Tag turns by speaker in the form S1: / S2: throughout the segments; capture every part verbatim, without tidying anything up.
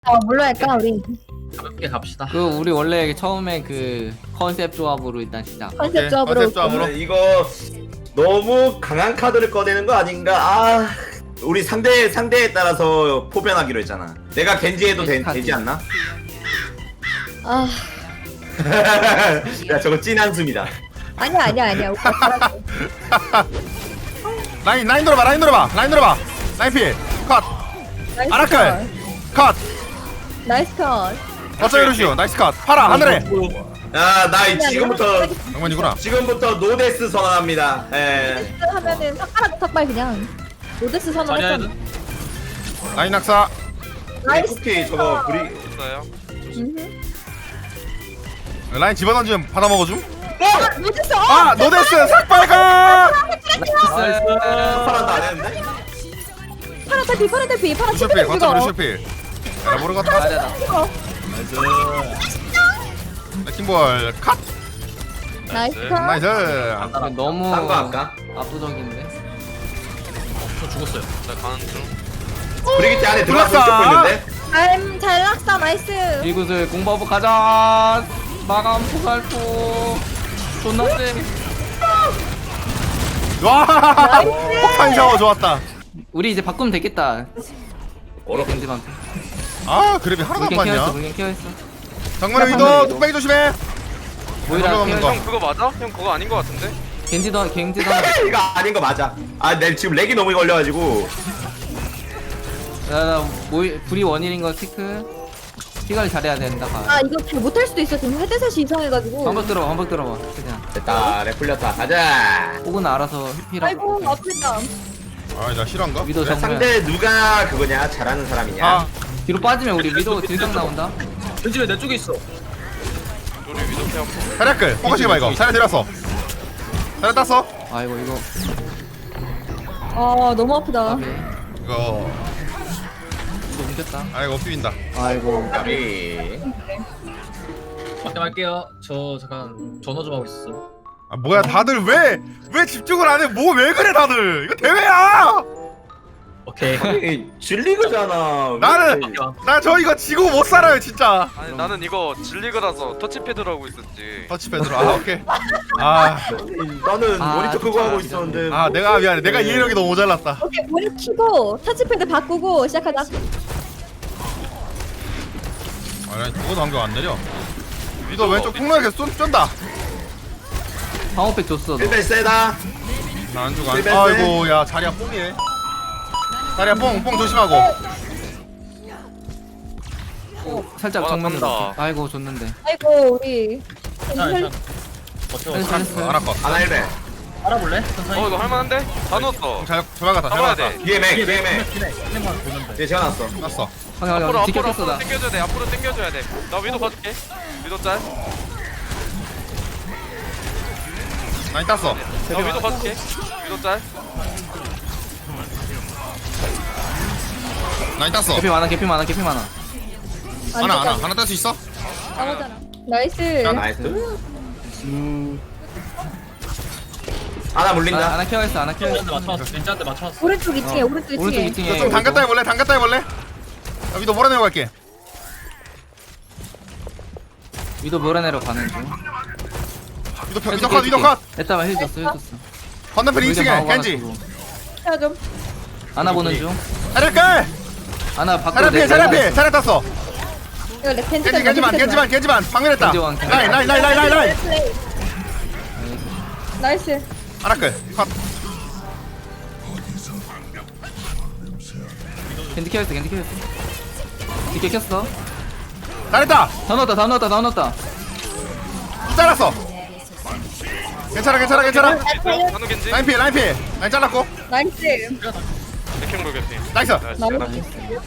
S1: 어, 뭘로 할까 우리?
S2: 가볍게 갑시다.
S3: 그 우리 원래 처음에 그 컨셉 조합으로 일단 시작.
S1: 컨셉 조합으로.
S4: 컨셉 조합으로.
S5: 오늘 이거 너무 강한 카드를 꺼내는 거 아닌가? 아, 우리 상대 상대에 따라서 포변하기로 했잖아. 내가 겐지해도 되, 되지 않나?
S1: 아,
S5: 야, 저거 찐 한숨이다.
S1: 아니야 아니야 아니야. 오빠 잘하고.
S4: 라인 라인 들어봐 라인 들어봐 라인 들어봐 라인 필 컷.
S1: 나이스
S4: 아라칼 컷.
S1: 컷. 나이스 컷.
S4: 어쩌 이러시오 나이스 컷. 파라 하늘에.
S5: 야, 나 이- 지금부터
S4: 장면이구나.
S5: 지금부터 노데스 선언합니다. 예.
S1: 로데스 하면은 삭발하고 삭발 그냥. 로데스 선언했잖아.
S4: 라인 낙사.
S1: 나이스.
S5: 쿠키 저거 브리
S6: 있어요.
S1: 음흠.
S4: 라인 집어던지면 받아먹어줌.
S1: 아, 로데스. 어!
S4: 아 노데스 삭발가.
S5: 파란도 안 했는데?
S1: 파란 탈피 파란 탈피 파란
S4: 루시필
S1: 탈피
S4: 거점 루시필. 야 모르겠다.
S3: 잘해라.
S4: 레킹볼 컷.
S1: 나이스 컷.
S4: 나이스.
S3: 아, 너무
S5: 딴거 할까?
S3: 압도적인데.
S2: 저 죽었어요.
S6: 나 가는 중.
S5: 브리기티 안에 들어가서
S4: 들어갔어.
S5: 쫓고 있는데?
S1: 잘, 잘 낙사 나이스.
S3: 이구슬 공버브 가자. 마감 포살포. 존나 쎄.
S4: 와 폭탄 샤워 좋았다.
S3: 우리 이제 바꾸면 되겠다.
S5: 어렵.
S3: 겐지한테.
S4: 아 그래비 하나도 안
S3: 물겐 케어했어.
S4: 맞냐.
S3: 물겐 케어했어.
S4: 정면에 위도 뚝배기 조심해.
S3: 모이라
S4: 넘어가는
S3: 케어.
S4: 거.
S6: 형 그거 맞아? 형 그거 아닌 거 같은데?
S3: 겐지도 겐지도. 하나.
S5: 이거 아닌 거 맞아. 아, 내 지금 렉이 너무 걸려가지고.
S3: 나 모이 불이 원일인 거 체크. 피관리 잘해야 된다. 가.
S1: 아 이거 잘 못할 수도 있어. 지금 헤드셋이 이상해가지고.
S3: 반복 들어봐. 반복 들어봐. 그냥.
S5: 됐다, 렉 풀렸다. 가자.
S3: 혹은 알아서 피라.
S1: 아이고 아프다.
S4: 아나 실화인가?
S3: 위도 정면.
S5: 상대 누가 그거냐? 잘하는 사람이냐?
S4: 아
S3: 뒤로 빠지면 우리 위도 딜강 나온다.
S2: 왠지 왜 내 쪽에 있어?
S6: 우리 위도 피하고.
S4: 사략글 포커싱 해봐 이거. 사략 들었어. 사략 땄어.
S3: 아이고 이거.
S1: 아 너무 아프다.
S3: 오케이.
S4: 이거
S3: 이거 옮겼다.
S4: 아이고 비빈다.
S3: 아이고.
S5: 까비.
S2: 맞게 할게요. 저 잠깐 전화 좀 하고 있어.
S4: 아 뭐야 다들 왜 왜 집중을 안 해? 뭐 왜 그래 다들? 이거 대회야.
S2: 오케이.
S5: 아니, 질리그잖아.
S4: 나는 나 저 이거 지고 못 살아요 진짜.
S6: 아니 나는 이거 질리그라서 터치패드로 하고 있었지.
S4: 터치패드로 아 오케이. 아,
S5: 나는
S3: 아,
S5: 모니터 끄고
S3: 진짜,
S5: 하고
S3: 진짜.
S5: 있었는데.
S4: 아 내가 미안해. 내가 이해력이 너무 모자랐다.
S1: 오케이 머리 키고 터치패드 바꾸고 시작하자.
S4: 아니 그거도 한경 안 내려. 위도 왼쪽 폭로에 계속 쏜 쫀다.
S3: 방어팩 줬어. 너.
S5: 일배 세다.
S4: 나 안 주고 안.
S5: 실패했네.
S4: 아이고 야 자리야 뽕이네. 자리야 뽕뽕 조심하고.
S3: 살짝
S6: 와,
S3: 정면으로.
S6: 간다.
S3: 이렇게. 아이고 줬는데.
S1: 아이고 우리.
S2: 자, 일단 버텨.
S3: 잘했어, 잘했어.
S4: 하나 컷.
S5: 하나 일배.
S2: 알아볼래? 천천히.
S6: 어 이거 할만한데? 다 넣었어.
S4: 잘 조만간 다
S6: 잡아야
S4: 잘나갔다.
S6: 돼.
S5: 뒤에 맥,
S2: 뒤에
S5: 뒤에 맥.
S2: 맥. 맥만 보면 돼.
S5: 뒤에 재워놨어.
S4: 났어.
S3: 확인
S6: 앞으로
S3: 확인.
S6: 앞으로
S3: 지켰어
S6: 앞으로
S3: 나.
S6: 당겨줘야 돼. 앞으로 당겨줘야 돼. 나 위도 봐줄게. 위도 짤.
S4: 많이 땄어.
S6: 나 위도 봐줄게. 위도 짤.
S4: 많이 땄어.
S3: 개피 많아 개피 많아 개피 많아.
S4: 하나 하나 하나 딸 수 있어?
S1: 나오잖아. 나이스.
S4: 야,
S5: 나이스. 하나
S3: 아,
S5: 물린다.
S3: 하나 케어했어 하나 케어했어.
S2: 왼쪽한테 맞춰놨어. 왼쪽한테 맞춰놨어.
S1: 오른쪽 이 층에 오른쪽 이
S3: 오른쪽
S1: 층에.
S3: 이 층에.
S4: 좀 담갔다 해볼래? 담갔다 해볼래? 야, 위도 몰아내고 갈게.
S3: 위도 몰아내러 가는 중.
S4: 위도 펴 위도 컷 위도 컷.
S3: 에따가 힐 줬어 힐 줬어.
S4: 건너편 이 층에 겐지.
S1: 자 좀.
S3: 하나 보는 중.
S4: 사략글.
S3: 하나 밖으로
S4: 사략 피해 사략 피해 사략 땄어.
S1: 이거 렉 펜트.
S4: 겐지 겐지만 겐지만 겐지만 방면했다.
S3: 겐지 왕, 겐지
S4: 라인 라인 라인 라인 라인 라인.
S1: 나이스.
S4: 하나클 컷.
S3: 겐지 케어했어 겐지 케어했어. 겐지 켰어.
S4: 잘했다.
S3: 다 넣었다 다 넣었다 다 넣었다.
S4: 잘랐어. 괜찮아 괜찮아 괜찮아.
S6: 한우 겐지.
S4: 라인 피해 라인 피해. 라인 잘랐고.
S1: 나이스.
S6: 백행볼 개피.
S4: 나이스.
S1: 나이스.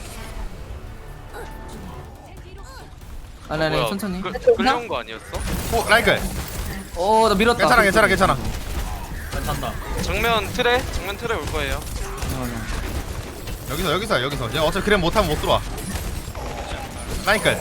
S3: 아니 아니
S6: 뭐야,
S3: 천천히.
S6: 그, 끌려온 거 아니었어?
S4: 오 라인클.
S3: 어나 밀었다.
S4: 괜찮아 괜찮아 괜찮아.
S2: 괜찮다.
S6: 정면 틀에 정면 틀에 올 거예요.
S4: 여기서 여기서 여기서. 얘 어차피 그래 못하면 못 들어와. 라인클.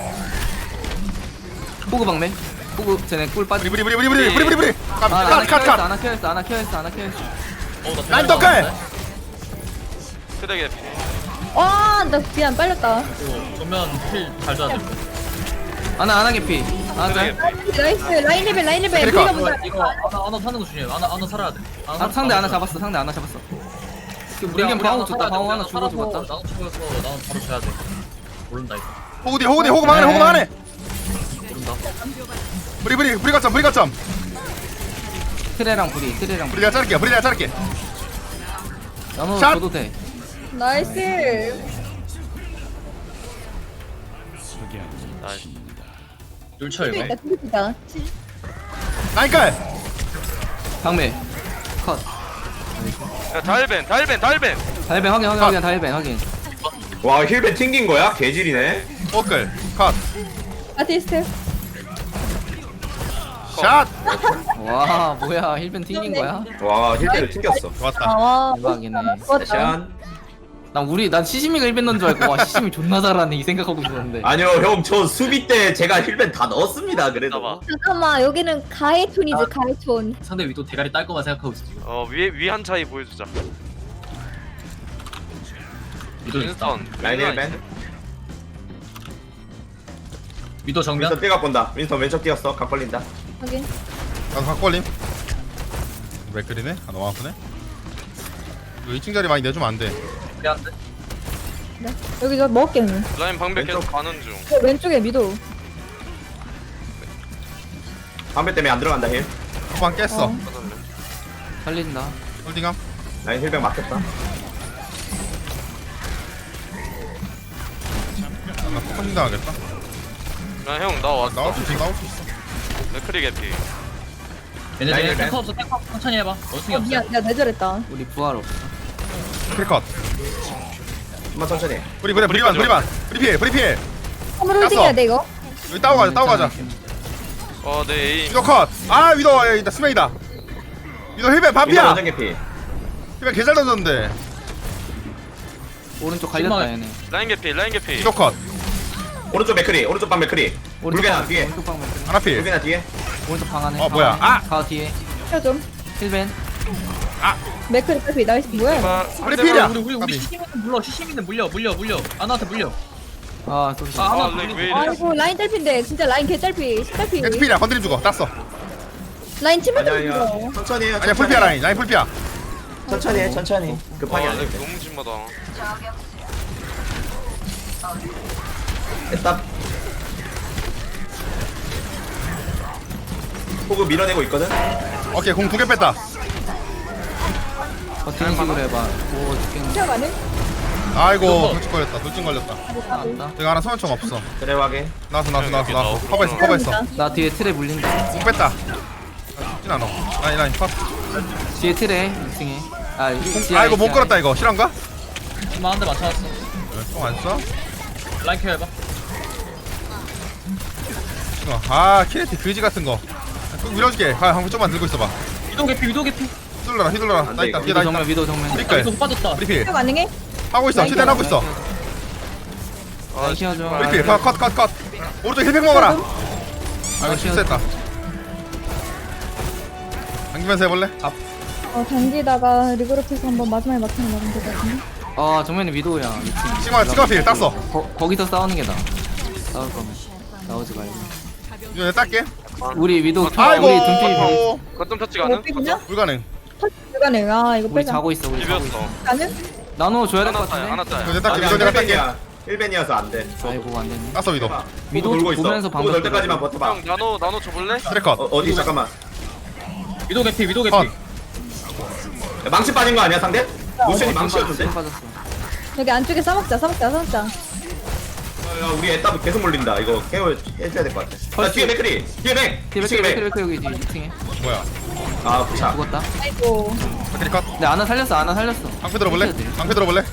S3: 호구 방매. 호구 쟤네 꿀 빠지.
S4: 브리 브리 브리 브리 브리 브리 브리 브리.
S3: 아, 하나
S4: 컷컷
S3: 케어했어
S4: 컷.
S3: 하나 케어했어 하나 케어했어 하나 케어했어.
S2: 어, 나
S4: 라인 더클.
S6: 틀에 개피.
S1: 와나 미안 빨렸다.
S2: 그리고 전면 힐잘 줘야 돼.
S3: 아나 아나 개피. 아나
S6: 그래.
S3: 짤.
S1: 나이스 라인 레벨 라인 레벨.
S4: 그러니까.
S1: 우리가
S2: 이거
S1: 보자.
S2: 이거 하나 하나 사는 거 중요해. 하나 하나 살아야 돼. 하나
S3: 아, 상대 하나
S2: 살아야 돼.
S3: 잡았어. 상대 하나 잡았어.
S2: 우리
S3: 우리 그냥
S2: 우리
S3: 방어
S2: 하나
S3: 줬다.
S2: 살아야 돼.
S3: 방어
S2: 우리
S3: 하나 주고
S2: 살아서
S3: 죽었다.
S2: 나도 죽어서 나도 바로 줘야 돼. 모른다 이거.
S4: 호구디 호구디 호구 막아내 호구 막아내.
S2: 모른다.
S4: 브리 브리 브리 거점 브리 거점.
S3: 트레랑 브리. 트레랑
S4: 브리
S3: 브리.
S4: 내가 자를게 브리 내가 자를게.
S3: 나노
S4: 샷!
S3: 줘도 돼.
S1: 나이스.
S6: 나이스.
S2: 율쳐 이거.
S1: 있다 있다.
S4: 나이깔.
S3: 방매. 컷.
S6: 야 다일벤 다일벤 다일벤.
S3: 다일벤 확인 확인 확인 다일벤 확인.
S5: 와 힐벤 튕긴 거야? 개질이네.
S4: 오클 컷.
S1: 아티스트.
S4: 샷.
S3: 와 뭐야 힐벤 튕긴 거야?
S5: 와 힐벤을 튕겼어.
S4: 좋았다.
S1: 아와.
S3: 대박이네.
S1: 좋았다.
S5: 짠.
S3: 난 우리 난 시시미가 힐벤 넣은 줄 알고 와 시시미 존나 잘하네 이 생각하고 있었는데.
S5: 아니요 형 저 수비 때 제가 힐벤 다 넣었습니다. 그래도.
S6: 봐봐.
S1: 잠깐만 여기는 가해촌이지
S2: 아.
S1: 가해촌.
S2: 상대 위도 대가리 딸 거만 생각하고 있어 지금.
S6: 어 위에 위한 차이 보여주자.
S2: 위도 있다.
S6: 윈스턴.
S5: 라인 힐벤.
S2: 위도 정면.
S5: 윈스턴 뛰가 본다. 윈스턴 왼쪽 뛰었어. 각 걸린다.
S1: 확인.
S4: 나도 각 걸림. 왜 그리네? 아 너무 아프네. 이거 이 층 자리 많이 내주면 안 돼.
S2: 미안한데.
S1: 네. 여기 저 먹을게 형님.
S6: 라인 방백 계속
S5: 왼쪽.
S6: 가는 중.
S1: 저 왼쪽에 미도.
S5: 방배 때문에 안 들어간다 힐.
S4: 한방 깼어.
S1: 어.
S3: 살린다.
S4: 홀딩함.
S5: 라인 힐벤 막혔다.
S4: 나 포커싱 당하겠다.
S6: 야형 나왔어.
S4: 나올 수 있어 나올 수 있어.
S6: 맥크리 개피.
S2: 얘네
S5: 라인
S2: 쟤네
S5: 힐벤.
S2: 탱커 없어 탱커 천천히 해봐. 원숭이
S1: 어,
S2: 없어.
S1: 미안 내가 내절했다.
S3: 우리 부활 없어.
S4: 크리컷.
S5: 한번 천천히.
S4: 브리 브리 브리반 브리반. 브리 피해 브리 피해.
S1: 한번 홀딩해야 돼 이거.
S4: 여기 따고 가자 따고 가자.
S6: 어내 에임.
S4: 위도 컷. 아 위도 여기 스메이다. 위도 힐벤
S5: 윈스턴
S4: 반피야.
S5: 완전 개피.
S4: 힐벤 개잘 던졌는데.
S3: 오른쪽 갈렸다
S2: 신망해.
S3: 얘네.
S6: 라인 개피 라인 개피.
S4: 위도 컷.
S5: 오른쪽 맥크리. 오른쪽 방 맥크리.
S3: 오른쪽
S5: 물개나
S3: 방
S5: 뒤에.
S3: 오른쪽 방 맥.
S4: 하나 필.
S5: 물개나 뒤에.
S3: 오른쪽 방 안에.
S4: 어, 뭐야?
S3: 방 안에.
S4: 아!
S3: 가 뒤에.
S1: 켜 좀.
S3: 힐벤.
S1: 맥크리 빨리 나이스 뭐야? 이거?
S6: 아,
S4: 우리 필이야.
S2: 우리 우리 우리
S4: 까비.
S2: 시시미는 물려 시시미는 물려 물려 물려. 아나한테 물려.
S3: 아 쏘리.
S2: 아,
S6: 아,
S2: 하나
S6: 렉
S2: 물리고.
S6: 왜 이래?
S1: 아이고 라인 딸피인데 진짜 라인 개 딸피. 딸피.
S4: 겐지 필이야 건드림 주고 땄어.
S1: 라인 치면
S5: 아니야
S1: 좀
S5: 아니야.
S1: 죽어.
S5: 천천히 해요.
S4: 아니야
S5: 천천히.
S4: 풀피야 라인 라인 풀피야.
S5: 천천히 해 천천히. 급하게 안
S6: 아,
S5: 해.
S6: 렉 너무 심하다.
S5: 됐다. 호그 밀어내고 있거든.
S4: 오케이 공 두 개 뺐다.
S3: 버티는 식으로 해봐. 오 죽겠네.
S1: 시작 안 해?
S4: 아이고
S2: 이거.
S4: 돌진 걸렸다 돌진 걸렸다.
S3: 나왔다.
S4: 내가 하나 소환총 없어.
S5: 그래 확인.
S4: 나왔어 나왔어 나왔어
S6: 이렇게
S4: 나왔어.
S6: 나오고.
S4: 커버했어 커버했어.
S3: 나 뒤에 트레 물린다.
S4: 공 뺐다. 나 죽진 않아. 라인 라인 컷.
S3: 뒤에 트레 이 층에. 아 이-
S4: 아이고 못
S3: 지하에.
S4: 걸었다 이거 실한가?
S2: 엄마 한 대 맞춰놨어.
S4: 총안 써?
S2: 라인 케어 해봐.
S4: 어, 아 키네티 그지 같은 거. 좀 밀어줄게. 아 한번 좀만 들고 있어봐.
S2: 위도 개피 위도 개피.
S4: 휘둘러라 휘둘러라.
S5: 안
S4: 나
S5: 돼,
S4: 있다
S5: 이거.
S4: 뒤에 나
S3: 위도
S4: 있다.
S3: 정면 위도 정면.
S2: 아,
S4: 브리클.
S2: 위도 빠졌다.
S4: 브리필
S1: 시작 가능해?
S4: 하고 있어. 최대한 하고 있어.
S3: 라인 키워줘.
S4: 브리필 컷컷 컷 컷. 오른쪽 힐팩 먹어라. 아이고
S3: 키워줘.
S4: 실수했다. 당기면서 해볼래?
S1: 어 당기다가 리그룹해서 한번 마지막에 막히는 말은 될것 같은데.
S3: 아 정면에 위도우야. 이 층.
S4: 시그마 시그마필 땄어.
S3: 거, 거기서 싸우는 게 나아. 싸울 거면 나오지 말고.
S4: 이거 내가 딸게.
S3: 우리 위도우 켜.
S4: 아이고.
S3: 우리 등필
S4: 아이고.
S6: 거점 터치
S1: 이거
S6: 가능?
S1: 빼기냐?
S4: 불가능.
S1: 불가능. 아 이거
S3: 우리
S1: 빼자.
S3: 자고 있어. 우리 자고 있어.
S6: 비볐어.
S1: 가능?
S3: 나노 줘야 될 것
S6: 하나 짜야
S3: 같은데.
S6: 하나 짜야.
S4: 이거 내가 딸게.
S5: 아니
S4: 이거 내가 딸게.
S5: 힐벤이야. 힐벤이어서 안 돼.
S3: 아이고 안 됐네.
S4: 땄어 위도.
S3: 위도
S5: 호그 돌고 있어.
S3: 보면서
S5: 호그
S3: 방금
S5: 돌 때까지만 버텨봐.
S6: 형 나노 나노 줘볼래?
S4: 트랙컷.
S5: 어, 어디 잠깐만.
S2: 위도 개피 위도 개피.
S4: 컷.
S5: 야, 망치 빠진 거 아니야 상대? 루시안이
S3: 방
S5: 망치였는데?
S3: 빠졌어.
S1: 여기 안쪽에 싸먹자 싸먹자 싸먹자.
S5: 야, 우리 애따 계속 몰린다. 이거 케어 해줘야 될 것 같아. 야,
S3: 펄스.
S5: 뒤에 맥크리. 뒤에 맥.
S3: 티베크
S5: 뒤에 맥.
S3: 티베크 여기 이 층에
S4: 뭐야?
S5: 아 부차.
S3: 죽었다.
S1: 아이고.
S4: 맥크리 컷.
S3: 근데 아나 살렸어. 아나 살렸어.
S4: 방패 들어볼래?
S3: 해줘야 돼.
S4: 방패 들어볼래?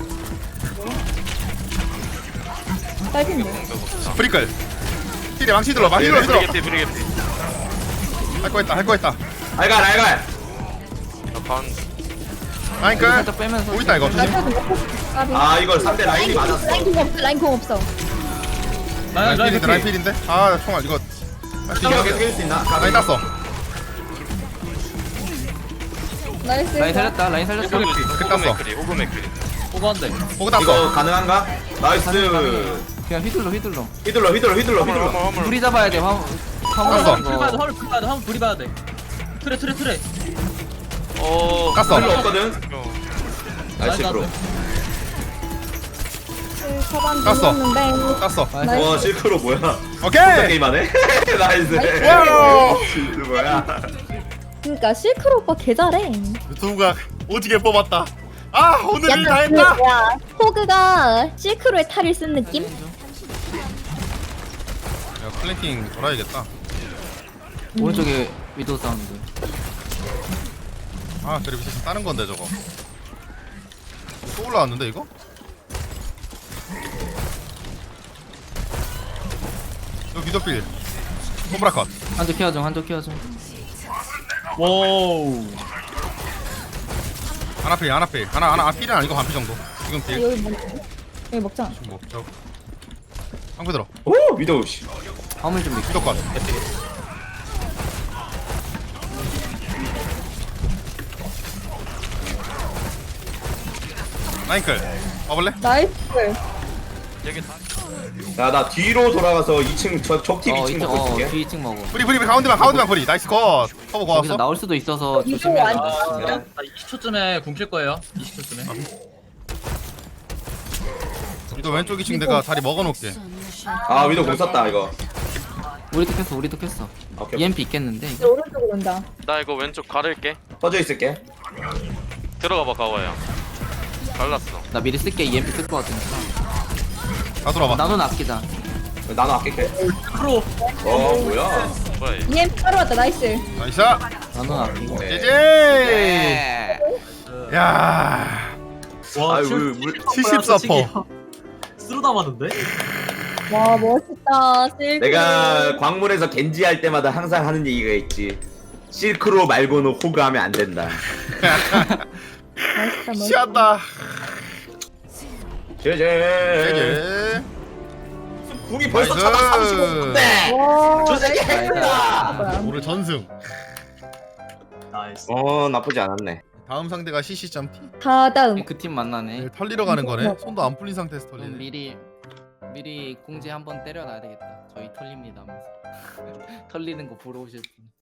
S1: 딸핀데.
S4: 브리클. 힐이 망치 들어. 망치 들어.
S6: 브리
S4: 들어.
S6: 개피 브리 개피.
S4: 할 거 했다. 할 거 했다.
S5: 알갈 알갈.
S6: 나반
S4: 라인
S3: 이거
S4: 끌.
S3: 살짝 빼면서.
S4: 오 있다 이거 조심.
S1: 나도 먹고 까비.
S5: 아 이걸 상대 라인이 맞았어.
S1: 라인 공 없어 라인 공 없어.
S2: 라인 라인
S4: 라인필인데
S2: 개피.
S4: 라인필인데. 아 총알 이거.
S5: 이거 계속 깰수 있나?
S4: 라인 땄어.
S1: 나이스.
S3: 라인 살렸다. 라인 살렸어.
S6: 호그
S4: 땄어.
S6: 호그 맥크리 호그 맥크리.
S2: 호그 호그 한 대.
S4: 호그 땄어.
S5: 이거 가능한가? 나이스.
S3: 그냥 휘둘러 휘둘러.
S5: 휘둘러 휘둘러 휘둘러
S6: 화물
S5: 휘둘러.
S6: 화물 화물.
S3: 불이 잡아야 돼. 화물.
S4: 땄어.
S3: 화물
S2: 불 봐야 돼.
S3: 이거.
S2: 화물 불 봐야 돼. 화물 불이 봐야 돼. 트레 트레 트레.
S6: 어.
S4: 깠어.
S5: 힐러 없거든.
S6: 어.
S5: 나이스
S2: 나이스.
S5: 프로.
S1: 그 차단
S4: 땄어.
S1: 눌렀는데
S4: 땄어.
S1: 나이스.
S5: 와 실크로 뭐야? 진짜
S4: 오케이.
S5: 게임하네. 나이스.
S4: 와우.
S5: 실크 뭐야?
S1: 그러니까 실크로 오빠 개 잘해.
S4: 유튜브가 오지게 뽑았다. 아 오늘 일 다
S1: 약간 그
S4: 했다.
S1: 뭐야 호그가 실크로의 탈을 쓴 느낌?
S4: 야 플랭킹 돌아야겠다.
S3: 오른쪽에 위도 사운드.
S4: 아 그래 미친 다른 건데 저거. 또 올라왔는데 이거? 여기 미더필. 홈브라컷.
S3: 한쪽 케어 중 한쪽 케어 중.
S2: 와우.
S4: 하나 필 하나 필 하나 하나 필은 아니고 반필 정도. 지금 필.
S1: 여기 먹 여기 먹자.
S4: 뭐 저. 한개 들어.
S5: 오 위도우 씨.
S3: 화물 좀 믿고.
S4: 미더컷. 라인클. 와볼래?
S1: 나이스.
S6: 여기 다.
S5: 야나 뒤로 돌아가서 이 층 저 적팀
S3: 어
S5: 이 층
S3: 이쪽
S5: 먹고
S3: 어
S5: 있을게.
S3: 뒤 층 먹어.
S4: 프리 프리 프리 가운데만 가운데만 프리. 나이스 컷. 커버
S3: 거기서
S4: 고왔어.
S3: 나올 수도 있어서
S1: 이거
S3: 조심해야
S1: 완-
S3: 돼.
S2: 아, 나 이십 초쯤에 궁킬 거예요. 이십 초쯤에.
S4: 위도 왼쪽 이 층 내가 다리 먹어놓을게.
S5: 아 위도우 공 썼다 이거.
S3: 우리도 켰어 우리도 켰어.
S5: 오케이.
S3: 이엠피 있겠는데
S1: 이제
S3: 이거.
S1: 오른쪽으로 온다.
S6: 나 이거 왼쪽 가를게.
S5: 퍼져 있을게.
S6: 들어가봐 가와야. 갈랐어.
S3: 나 미리 쓸게. 이엠피 쓸 거 같으니까.
S4: 다 돌아봐.
S3: 나눠 아끼자.
S5: 나는 아낄게.
S2: 프로.
S5: 어 뭐야?
S6: 뭐야 얘.
S1: 이엠 따로 왔다. 나이스.
S4: 나이스.
S3: 나눠 아끼고.
S5: 네.
S4: 제제.
S3: 네.
S4: 야.
S2: 와,
S5: 아유,
S2: 칠-
S5: 물-
S4: 칠십 서퍼.
S2: 쓰러 담았는데?
S1: 와 멋있다. 실크.
S5: 내가 광물에서 겐지 할 때마다 항상 하는 얘기가 있지. 실크로 말고는 호그 하면 안 된다.
S1: 멋있다. 멋있다.
S4: 시한다.
S5: 제제.
S4: 제제.
S5: 궁이 벌써
S4: 나이스.
S5: 차다 삼십오 분대.
S1: 와.
S5: 저 새끼 핵이다.
S1: 뭐야?
S4: 오늘 전승.
S2: 나이스.
S5: 어 나쁘지 않았네.
S4: 다음 상대가 씨씨.T.
S1: 다다음.
S3: 그 팀 만나네.
S4: 네, 털리러 가는 거네. 손도 안 풀린 상태에서
S3: 그럼
S4: 털리네.
S3: 미리 미리 공지 한번 때려놔야 되겠다. 저희 털립니다 하면서. 털리는 거 보러 오실 분.